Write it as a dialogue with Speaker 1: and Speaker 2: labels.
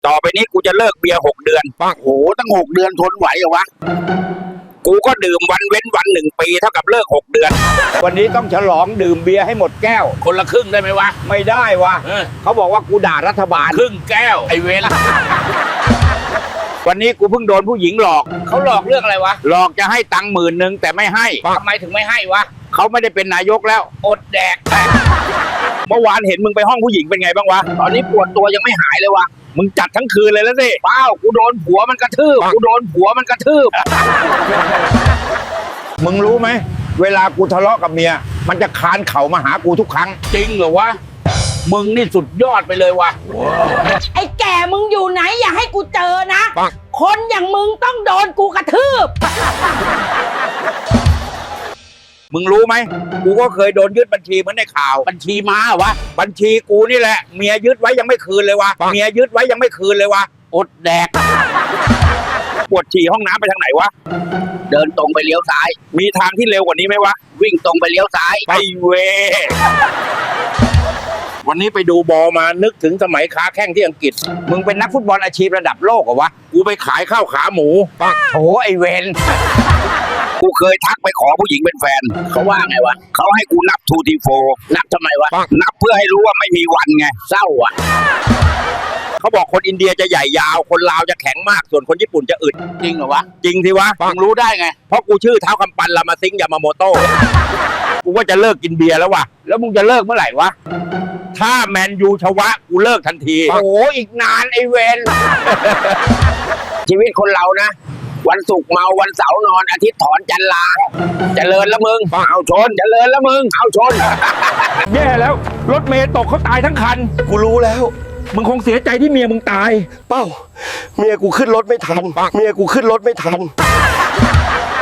Speaker 1: ต่อไปนี้กูจะเลิกเบียร์6 เดือนโอ้โหตั้ง6 เดือนทนไหวเหรอวะกูก็ดื่มวันเว้นวัน1 ปีเท่ากับเลิก6 เดือนวันนี้ต้องฉลองดื่มเบียร์ให้หมดแก้วคนละครึ่งได้ไหมวะไม่ได้วะเขาบอกว่ากูด่ารัฐบาลครึ่งแก้วไอเวรวันนี้กูเพิ่งโดนผู้หญิงหลอกเขาหลอกเรื่องอะไรวะหลอกจะให้ตังค์10,000แต่ไม่ให้ทำไมถึงไม่ให้วะเขาไม่ได้เป็นนายกแล้วอดแดกเมื่อวานเห็นมึงไปห้องผู้หญิงเป็นไงบ้างวะตอนนี้ปวดตัวยังไม่หายเลยวะมึงจัดทั้งคืนเลยแล้วสิเปล่ากูโดนผัวมันกระทืบมึงรู้ไหมเวลากูทะเลาะกับเมียมันจะคานเข่ามาหากูทุกครั้งจริงเหรอวะมึงนี่สุดยอดไปเลยวะ
Speaker 2: ไอ้แก่มึงอยู่ไหนอย่าให้กูเจอนะคนอย่างมึงต้องโดนกูกระทืบ
Speaker 1: มึงรู้ไหมกูก็เคยโดนยึดบัญชีเหมือนในข่าวบัญชีม้าวะบัญชีกูนี่แหละเมียยึดไว้ยังไม่คืนเลยวะอดแดกปวดฉี่ห้องน้ำไปทางไหนวะเดินตรงไปเลี้ยวซ้ายมีทางที่เร็วกว่านี้ไหมวะวิ่งตรงไปเลี้ยวซ้ายไอเววันนี้ไปดูบอลมานึกถึงสมัยค้าแข้งที่อังกฤษมึงเป็นนักฟุตบอลอาชีพระดับโลกเหรอวะกูไปขายข้าวขาหมูโถไอเวนกูเคยทักไปขอผู้หญิงเป็นแฟนเขาว่าไงวะเขาให้กูนับ2 ที 4นับทำไมวะนับเพื่อให้รู้ว่าไม่มีวันไงเศร้าอ่ะเขาบอกคนอินเดียจะใหญ่ยาวคนลาวจะแข็งมากส่วนคนญี่ปุ่นจะอึดจริงเหรอวะจริงสิวะมึงรู้ได้ไงเพราะกูชื่อเท้าคำปันลามาซิงยามาโมโต้กูว่าจะเลิกกินเบียร์แล้ววะแล้วมึงจะเลิกเมื่อไหร่วะถ้าแมนยูชวะกูเลิกทันทีโอ้อีกนานไอเวนชีวิตคนเรานะวันศุกร์เมาวันเสาร์นอนอาทิตย์ถอนจันทร์ลาเจริญแล้วมึงเอาชนเจริญแล้วมึงเอาชนแย่แล้วรถเมย์ตกเขาตายทั้งคัน
Speaker 3: กูรู้แล้ว
Speaker 1: มึงคงเสียใจที่เมียมึงตาย
Speaker 3: เป้าเมียกูขึ้นรถไม่ทัน